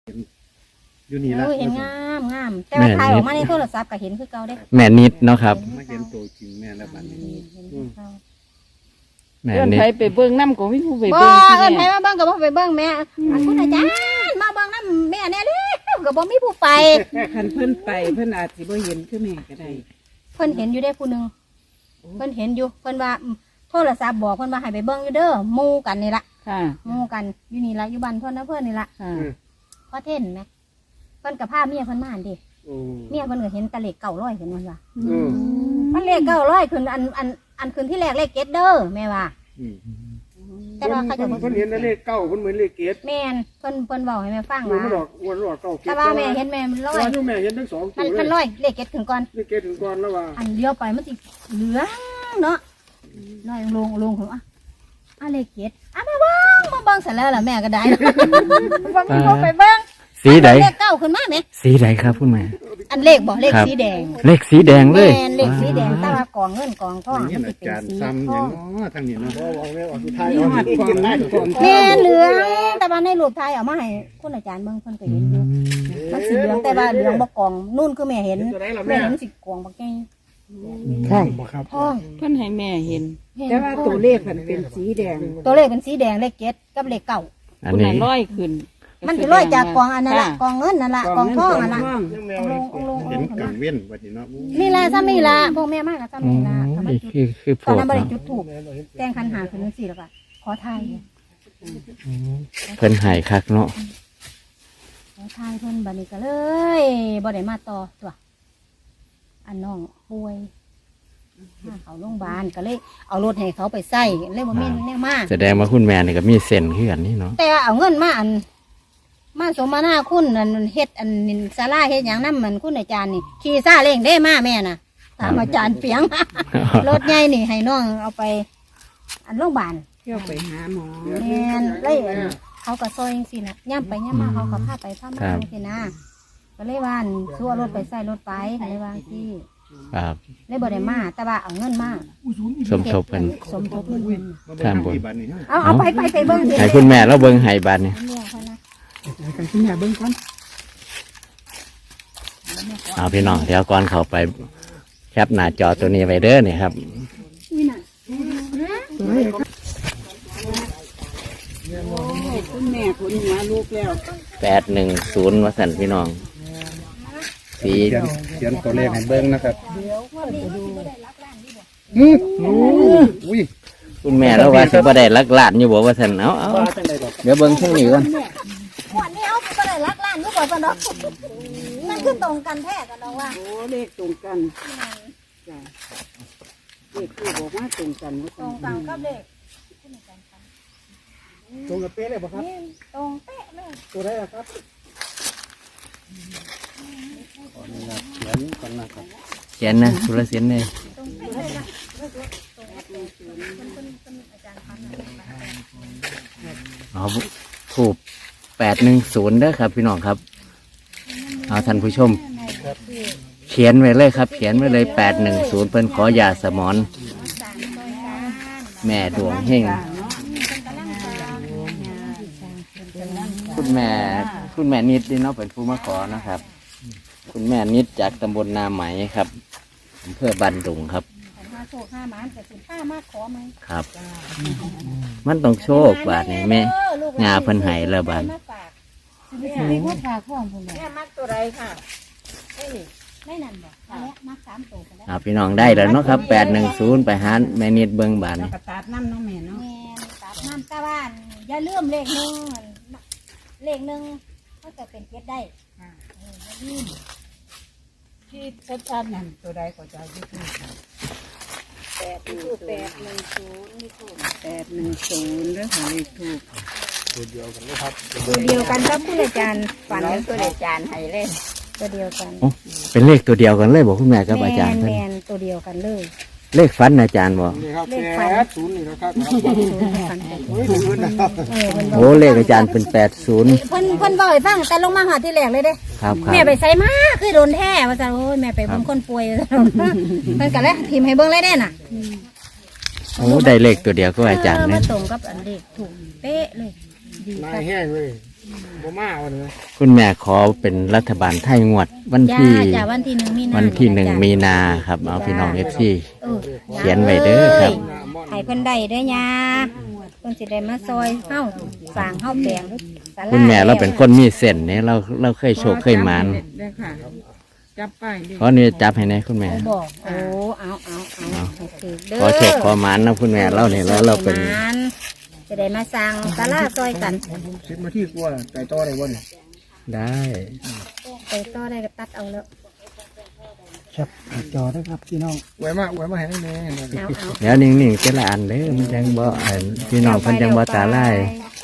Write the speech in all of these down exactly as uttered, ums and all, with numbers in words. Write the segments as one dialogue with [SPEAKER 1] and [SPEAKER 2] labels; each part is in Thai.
[SPEAKER 1] อยู่นี่ละ
[SPEAKER 2] เห็นงามงามแต่ว่าถ่ายออกมาในโทรศัพท์ก็เห็นคือเก่าได้
[SPEAKER 3] แม่นิดเนาะครับ
[SPEAKER 1] มาเห็นตัวจริงแม่แล้วบัดนี้
[SPEAKER 3] แม่
[SPEAKER 4] เอิ้น
[SPEAKER 3] นิด
[SPEAKER 4] ไปไปเบิ่งน้ำก็มีผู้ไป
[SPEAKER 2] บ่
[SPEAKER 4] เบิ่งที่
[SPEAKER 2] เอิ้น
[SPEAKER 4] แม่
[SPEAKER 2] ไปมาเบิ่งก็บ่ไปเบิ่งแม่อันคุณอาจารย์มาเบิ่งนำแม่แน่เด้อก็บ่มีผู้ไป
[SPEAKER 5] คันเพิ่นไปเพิ่นอาจสิบ่เห็นคือแม่ก็ได้
[SPEAKER 2] เพิ่นเห็นอยู่ได้ผู้นึงเพิ่นเห็นอยู่เพิ่นว่าโทรศัพท์บอกเพิ่นว่าให้ไปเบิ่งอยู่เด้อหมู่กันนี่ล่ะ
[SPEAKER 4] ค่ะ
[SPEAKER 2] หมู่กันอยู่นี่ล่ะอยู่บ้านเพิ่นนะเพิ่นนี่ล่ะ
[SPEAKER 4] ค่ะ
[SPEAKER 2] พอเท่นแม่เพิ่นก็พาเมียเพิ่นมาหั่นดิเมียเพิ่นก็เห็นตะเลขเก้าร้อยขึ้นมันว่ามันเลขเก้าร้อยขึ้นอันอันอันขึ้นที่แรกเลขเจ็ดเด้อแม่ว่าแต่ว่าเขาจะ
[SPEAKER 1] เพิ่นเห็นเลขเก้าเพิ่นเหมือนเลขเกต
[SPEAKER 2] แม่นเพิ่นเพิ่นบอกให้แม่ฟัง
[SPEAKER 1] มัน
[SPEAKER 2] ว่า
[SPEAKER 1] หลอกวันหลอกเก้าเกต
[SPEAKER 2] แต่ว่าแม่เห็นแม่มันร้อย
[SPEAKER 1] ว่าอยู่แม่เห็นทั้งสองตั
[SPEAKER 2] มัน
[SPEAKER 1] ว
[SPEAKER 2] มัน
[SPEAKER 1] เลย
[SPEAKER 2] ร้อยเลขเจ็ดถึงก่อน
[SPEAKER 1] เลขเกตถึงก่อนแล้วว่า
[SPEAKER 2] อันเดียวไปมันสิเหลืองเนาะร้อยลงลงผมอ่ะอ่ะเลขเจ็ดอ่ะมาเบิ้งมาเบิ้งเสร็จแล้วล่ะแม่ก็ได้บ่มีบ่ไปเบิ้ง
[SPEAKER 3] สีใด
[SPEAKER 2] เลขเก้าขึ้นมาไหม
[SPEAKER 3] สีใดครับคุณแม่
[SPEAKER 2] อันเลขบอกเลขสีแดง
[SPEAKER 3] เลขสีแดงเลย
[SPEAKER 2] แม่นเลขสีแดงแต่ว่ากองเงินกองทอง
[SPEAKER 1] นี่
[SPEAKER 2] มัน
[SPEAKER 1] อา
[SPEAKER 2] สิเป็น
[SPEAKER 1] จารย์
[SPEAKER 2] สี
[SPEAKER 1] ซ้ำ
[SPEAKER 2] ท
[SPEAKER 1] อ
[SPEAKER 2] อย่าง ง
[SPEAKER 1] เนาะทางนี้เนาะบ่วางแล้วออกสุดท้าย
[SPEAKER 5] มีหอดก่อนได้ก่อน
[SPEAKER 2] แม่นเหลืองแต่ว่าในรูปถ่ายเอามาให้คุณอาจารย์เบิ่งเพิ่นก็เห็นอยู่มันสีเหลืองแต่ว่าเหลืองบ่กองนู่นคือแม่เห็นแม่เห็นสิกองบ่แก่
[SPEAKER 1] ท่องบ่ครับ
[SPEAKER 2] ทอง
[SPEAKER 4] เพิ่นให้แม่เห็น
[SPEAKER 5] แต่ว่าตัวเลขมันเป็นสีแดง
[SPEAKER 2] ตัวเลขเป็นสีแดงเลขเจ็ดกับเลขเก้า
[SPEAKER 3] อัน
[SPEAKER 4] คุณ
[SPEAKER 3] นี้
[SPEAKER 4] น่ะร้อยขึ้น
[SPEAKER 2] มันจะลอยจากกองอันนั้นละกองเงินนั่นละกองทองนั่นละ
[SPEAKER 5] ก
[SPEAKER 2] ลงลง
[SPEAKER 1] เห็นกังเว้นบัดนี้เนาะ
[SPEAKER 2] นี่ละซ้ำนี่ละพวกแม่มากกับซ้ำนี่ละทำไม
[SPEAKER 3] นี่
[SPEAKER 2] จุด
[SPEAKER 3] คือคือ
[SPEAKER 2] ต
[SPEAKER 3] พ
[SPEAKER 2] อน
[SPEAKER 3] วก
[SPEAKER 2] นั้นบริ
[SPEAKER 3] เนาะ
[SPEAKER 2] จุดถูกแจ้งคันหาคืนสี่แล้วก็ขอทาย
[SPEAKER 3] เพิ่นใหายคักเนาะ
[SPEAKER 2] ขอทายเพิ่นบัดนี้ก็เลยบ่ได้มาต่อตัวอันน้องป่วยพาเขาโรงพยาบาลก็เลยเอารถให้เขาไปใส่เลยบ่มีแน่มา
[SPEAKER 3] แสดงว่าคุณแม่นี่ก็มีเส้นคือกันนี่เนาะ
[SPEAKER 2] แต่เอาเงินมาอันมาสมนาคุณอันเฮ็ดอันศาลาเฮ็ดหยังนำมันคุณอาจารย์นี่ขี่ซาเล้งได้มาแม่น่ะถามอาจารย์เปียง รถใหญ่นี่ให้น้องเอาไปอันโรงพยาบาล
[SPEAKER 5] เที่ยวไปหาหมอ
[SPEAKER 2] แม่นเลยอันเขาก็ซอยจังซี่น่ะย่ำไปย่ำมาเขาก็พาไปพามาจังซี่นะก็เลยว่าอันสู้เอารถไปใส่รถไปก็เลยว่าที่
[SPEAKER 3] ครับ
[SPEAKER 2] เลยบ่ได้มาแต่ว่าเอาเงินมา
[SPEAKER 3] สมทบกัน
[SPEAKER 2] สมทบเงินเพิ่น
[SPEAKER 3] ท่านบน
[SPEAKER 1] บัดนี้
[SPEAKER 2] เอาเอาไปไปไปเบิ่งสิ
[SPEAKER 3] ให้คุณแม่แล้วเบิ่งให้บาดนี่
[SPEAKER 2] เรียกเขานะ
[SPEAKER 5] กันคุณแม่เบิ่งก่อน
[SPEAKER 3] เอาพี่น้องเดี๋ยวก่อนเข้าไปแคปหน้าจอตัวนี้ไว้เด้อนี่ครับ
[SPEAKER 5] คุณแม่คุณหัวลูกแล้ว
[SPEAKER 3] แปดหนึ่งศูนย์ว่าสันพี่น้อง สี
[SPEAKER 1] เขียนเขียนตัวเลขให้เบิ่งนะครับ อุ้ย
[SPEAKER 3] คุณแม่แล้วว่าสิบ่ได้ลักหลานอยู่บ่ว่าสันเอาเอา
[SPEAKER 1] ว่าจังได๋ดอก
[SPEAKER 3] เดี๋ยวเบิ่งช่วงนี้ก่อน
[SPEAKER 2] หวดนี้เอาก็ได้รักล้านอยู่บ่ซะเนาะนั่นคือตรงกันแท้กันเนาะว่า
[SPEAKER 5] โอ้เลขตรงกันจ้ะเลขคือบอกว่าตรงกันว่า
[SPEAKER 2] ตรงกันกับเลข
[SPEAKER 1] ตรงกับเป๊ะเลยบ่ครับ
[SPEAKER 2] นี่ตรงเป๊ะเลย
[SPEAKER 1] ตัวได้ครับขออนุญาตเขียนก่อนนะครับ
[SPEAKER 3] เขียนนะสุรเสียนเลย
[SPEAKER 2] ตรงเป๊ะเลยนะ
[SPEAKER 3] เอาถูกแปดหนึ่งศูนย์เด้อครับ พี่น้องครับ เอาท่านผู้ชม เขียนไว้เลยครับ เขียนไว้เลยแปดหนึ่งศูนย์เพิ่นขอยาสมอนแม่ดวงเฮงคุณแม่คุณแม่นิดนี่เนาะเป็นผู้มาขอนะครับ คุณแม่นิดจากตำบลนาไหมครับอำเภอบันดุงครับ
[SPEAKER 2] ห้าโชคห้าหมานแต่สิห้ามากขอไหม
[SPEAKER 3] ครับ มันต้องโชคบาทนี่แม่งาเพิ่นให้แล้วบาท
[SPEAKER 2] มีพวกฝากพ่อผม
[SPEAKER 5] แม่มักตัวไรค่ะ
[SPEAKER 2] ไม่นั่นบอกแล้วมักสามตัวกันแล้ว
[SPEAKER 3] เอาพี่น้องได้แล้วเนาะครับแปดหนึ่งศูนย์ไปหาแม่นิดเบิ่งบาท
[SPEAKER 5] แล้ว
[SPEAKER 3] นี่
[SPEAKER 5] ก็ตัดน้ำน้องแม่เนาะ
[SPEAKER 2] แม่ตัดน้ำตาบ้านอย่าลืมเลขหนึ่งเลขหนึ่งก็จะเป็นเจ็ดได้
[SPEAKER 5] ที่ชัดๆนั่นตัวใดก็จะยึดนี่ค่ะ
[SPEAKER 2] แปดถูกแปดหนึ่งศูนย์นี่ถูก
[SPEAKER 5] แปดหนึ่งศูนย์แล้วค่ะเลขถูก
[SPEAKER 1] ตัวเดียวกันเลยครับ
[SPEAKER 2] ตัวเดียวกันครับคุณอาจารย์ฝันตัวอาจารย์ให้เล่นตัวเดียวกัน
[SPEAKER 3] โอ้เป็นเลขตัวเดียวกันเลยบอกคุณแม่กับอาจารย์
[SPEAKER 2] แม
[SPEAKER 3] เพิ่น
[SPEAKER 2] นแมนตัวเดียวกันเลย
[SPEAKER 3] เลขฝันอาจารย์บอก
[SPEAKER 1] นี่ครับแปดศูนย์นี่นะครับ
[SPEAKER 2] ศูนย์ฝันกัน
[SPEAKER 1] โอ้ยศูนย์นะครับ
[SPEAKER 2] เออเพิ่นบ
[SPEAKER 3] โอ้เลขอาจารย์เป็นแปดศูนย์
[SPEAKER 2] เพิ่นเพิ่นบอกให้ฟังแต่ลงมาหาที่แรกเลยเด้
[SPEAKER 3] ครับครับ
[SPEAKER 2] แม่ไปใส่มาคือโดนแท้ว่าซั่นโอ้ยแม่ไปเบิ่งคนป่วยว่าซั่นเพิ่นก็เลยพิมพ์ให้เบิ่งเลยเด้น่ะ
[SPEAKER 3] โอ้ได้เลขตัวเดียวก็อาจารย์
[SPEAKER 2] เออ
[SPEAKER 3] เนี่
[SPEAKER 2] มาย ตรงกับอันเลขถูกเป๊ะเลยดี
[SPEAKER 1] นา
[SPEAKER 2] ค่ะ
[SPEAKER 1] ยแห้งเลย
[SPEAKER 2] แ
[SPEAKER 1] บ่มาวันนี้
[SPEAKER 3] คุณแม่ขอเป็นรัฐบาลไทยงวดวัน
[SPEAKER 2] จ้า
[SPEAKER 3] ที่
[SPEAKER 2] จ้าวันที่หนึ่งมีนา
[SPEAKER 3] วันที่หนึ่ง
[SPEAKER 2] จ้ะ
[SPEAKER 3] มีนาครับเอาพี่น้องเอฟซี
[SPEAKER 2] เออ
[SPEAKER 3] เขียนไว้เด้อครับ
[SPEAKER 2] ให้เพิ่นได้เด้อยาเพิ่นสิได้มาซอยเฮาสร้างเฮาแปลงศาลา
[SPEAKER 3] คุณแม่เราเป็นคนมีเส้นเนี่ยเราเราเคยโชคเคยหมาน
[SPEAKER 4] ได้ค่ะ จับไปดิ
[SPEAKER 3] ขอนี่จับให้แน่คุณแม่
[SPEAKER 2] เอาบอกโอ้เอาเอาเอาให้ถือเด้อ
[SPEAKER 3] ขอโชคขอหมานนะคุณแม่เราเนี่ยแล้วเราเป็น
[SPEAKER 2] จะได้มาสร้างศาลาซอยกัน
[SPEAKER 1] สิบนาทีกว่าไก่ต่อได้บ่เนี่ย
[SPEAKER 3] ได้
[SPEAKER 2] ไปต่อได้ก็ตัดเอาแล้ว
[SPEAKER 1] ครับจอได้ครับพี่น้องไว้มาไว้มาให้แม่
[SPEAKER 2] เอาเอา
[SPEAKER 3] เดี๋ยวนิ่งๆจะละอันเด้อมันจังบ่อันพี่น้องเพิ่นจังบ่ตาลาย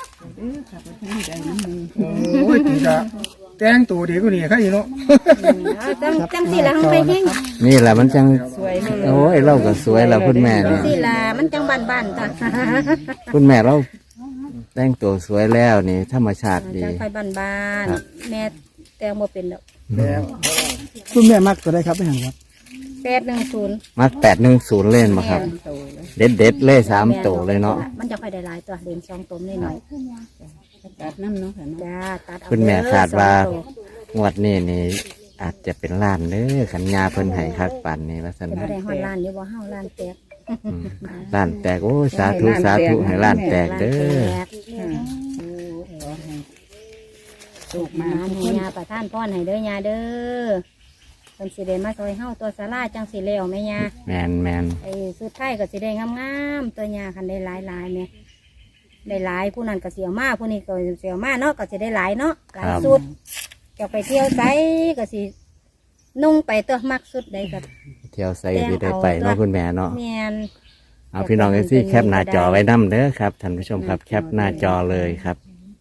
[SPEAKER 1] โอ้ยตีกะแต่งตัวดีกว่านี่ใครอยู่เนาะ
[SPEAKER 2] เอาจังจังสิละทำไปเฮง
[SPEAKER 3] นี่แหละมันจัง
[SPEAKER 4] สวยเลย
[SPEAKER 3] โอ้ยเราก็สวยแล้วคุณแม่
[SPEAKER 2] จัง
[SPEAKER 3] นี่
[SPEAKER 2] สิละมันจังบ้านๆจ้ะ
[SPEAKER 3] คุณแม่เราแต่งตัวสวยแล้วนี่ธรรมชาติดี
[SPEAKER 2] จังไฟบ้านๆแม่แต่งบ่เป็นดอก
[SPEAKER 1] แล้วคุณแม่มักก็ได้ครับไม่ห่างครับ
[SPEAKER 2] แปดหนึ่งศูนย์
[SPEAKER 3] มักแปดหนึ่งศูนย์เล่นมาครับ เด็ดเด็ดๆเลยสามตัวเลยเนาะ
[SPEAKER 2] มันจะค่อยได้หลายตัวเด่นสองตัวนิดหน่อย
[SPEAKER 5] ตัดน้ำเนาะค่ะเนาะ
[SPEAKER 2] จ้าตัดเอา
[SPEAKER 3] คุณแม่
[SPEAKER 2] เด้อ
[SPEAKER 3] ขาดว่า
[SPEAKER 2] สองตัว
[SPEAKER 3] งวดนี้นี่อาจจะเป็นล้านเด้อขันยาเพิ่นให้คักปันนี่ว่าซั่น
[SPEAKER 2] จะบ่ได้ฮอดล้านอยู่บ่เฮาล้านแตก
[SPEAKER 3] อืมล้านแตกโอ้ยสาธุสาธุให้ล้านแตกเด้อ
[SPEAKER 2] ล้านแตก
[SPEAKER 5] สุก
[SPEAKER 2] มา
[SPEAKER 5] มา
[SPEAKER 2] ให้ยาประทานพรให้เด้อยาเด้อเพิ่นสิได้มาซอยเฮาตัวศาลาจังสิแล้วแม่ยา
[SPEAKER 3] แมนแมน
[SPEAKER 2] ไอ้สุดท้ายก็สิได้งามๆตัวยาคันได้หลายๆแม่ได้หลายผู้นั้นก็เสียวมาผู้นี้ก็เสียวมาเนาะก็สิได้หลายเนาะหลายสุดจะไปเที่ยวไสก็สินุ่งไปตัวมักสุดใดก็
[SPEAKER 3] เที่ยวใส่ก็สิได้ไปเนาะคุณแม่เนาะ
[SPEAKER 2] แม่น
[SPEAKER 3] เอาพี่น้องเอซี่แคปหน้าจอไว้นํเด้อครับท่านผู้ชมครับแคปหน้าจอเลยครับ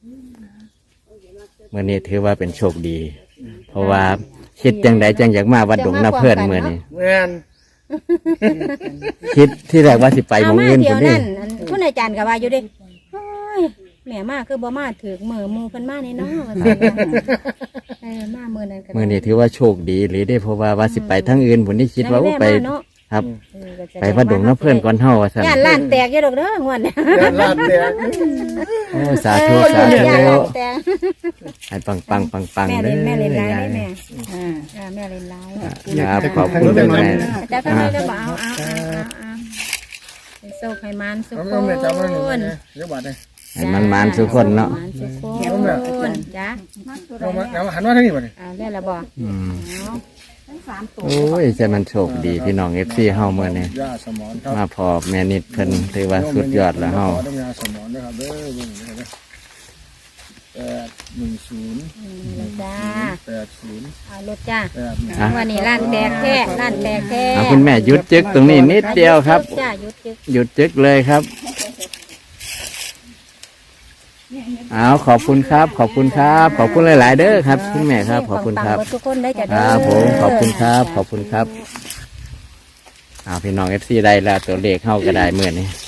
[SPEAKER 3] เมื่อนี้ถือว่าเป็นโชคดี เพราะว่าคิดจังใดจังอยากมาวัดดงนาเพื่อนเมื่อนี้
[SPEAKER 1] แม่น
[SPEAKER 3] คิดที่แรกว่าสิไปหมองอื่น
[SPEAKER 2] เที่
[SPEAKER 3] พุ่
[SPEAKER 2] ย
[SPEAKER 3] น
[SPEAKER 2] ว
[SPEAKER 3] นี่
[SPEAKER 2] นั่นอันคุณอาจารย์ก็ว่าอยู่เดิโอ้ยแม่มาคือบ่มาถือมือมือเพิ่นมาในน้อว่าซั่นว่าเออมามือนั้นก็ได้
[SPEAKER 3] เมื่อนี้ถือว่าโชคดีหรือได้เพราะว่าว่าสิไปทั้งอื่นพุ่นนี่คิดว่าโอ้ไป
[SPEAKER 2] ด้แม่มาเนาะ
[SPEAKER 3] ครับ
[SPEAKER 2] เออก็จะ
[SPEAKER 3] ไปวัดดงนาเพื่อนก่อนเฮาว่าซั่น
[SPEAKER 2] ย่านล้านแตกอยู่ดอกเด้องวดเนี่ย
[SPEAKER 1] ลาดแดง
[SPEAKER 3] โอ้สาธุสา
[SPEAKER 2] เอ
[SPEAKER 3] ธุ
[SPEAKER 2] อย่านล้านแตก
[SPEAKER 3] ให้ปังปังปังปัง
[SPEAKER 2] แม่
[SPEAKER 3] เด้
[SPEAKER 2] เล่
[SPEAKER 3] อน
[SPEAKER 2] แม่เล่นร้าย
[SPEAKER 3] ยา
[SPEAKER 2] ได้
[SPEAKER 3] ย
[SPEAKER 2] แม่
[SPEAKER 5] อ่า
[SPEAKER 2] อ่าแม่เล่นร้าย
[SPEAKER 3] ครับขอบคุณแม่
[SPEAKER 2] แต่ทำไมได้บ่เอาเอาเอาเอาเอาให้โชคให้มันสุข
[SPEAKER 1] เอาแม่จำไว้หนึ่ง
[SPEAKER 2] คน
[SPEAKER 1] นะเดี๋ยวบาดเลย
[SPEAKER 3] ให้มันมันทุกคนเนาะ
[SPEAKER 2] มันสุขคนจ้ะ
[SPEAKER 1] เอามาเอาหันมาทางนี้บ่เนี่ย
[SPEAKER 2] เอาได้ละบ่
[SPEAKER 3] อืม
[SPEAKER 2] เอา
[SPEAKER 3] โอ้ยจะมันโชคดีพี่น้องเอฟซีเฮาเมื่อนี้
[SPEAKER 1] ยาสมอนครับ
[SPEAKER 3] มาพอแม่นิดเพิ่นถือว่าสุดยอดแล้วเฮา
[SPEAKER 1] ต้องยาสมอนนะครับเด้อเบิ่งนะครับแปดหนึ่งศูนย์
[SPEAKER 2] นี่จ้า
[SPEAKER 1] แปดศูนย์
[SPEAKER 2] เอารถจ้า
[SPEAKER 1] แปดหนึ่ง
[SPEAKER 3] อ่ะ
[SPEAKER 2] วันนี้ร้านแตกแท้ร้านแตกแท้
[SPEAKER 3] เอาคุณแม่หยุดจึกตรงนี้นิดเดียวครับ
[SPEAKER 2] จ้าหยุดจึก
[SPEAKER 3] หยุดจึกเลยครับเอาขอบคุณครับ ขอบคุณครับ ขอบคุณหลาย ๆ เด้อครับ คุณแม่ครับ ขอบคุณครับ
[SPEAKER 2] ปังๆเดทุกคนได้จ้ะ
[SPEAKER 3] ค
[SPEAKER 2] เด้
[SPEAKER 3] รับผมขอบคุณครับ ขอบคุณครับเอาพี่น้องเอฟซีได้แล้วตัวเลขเข้าก็ได้เมื่อนี้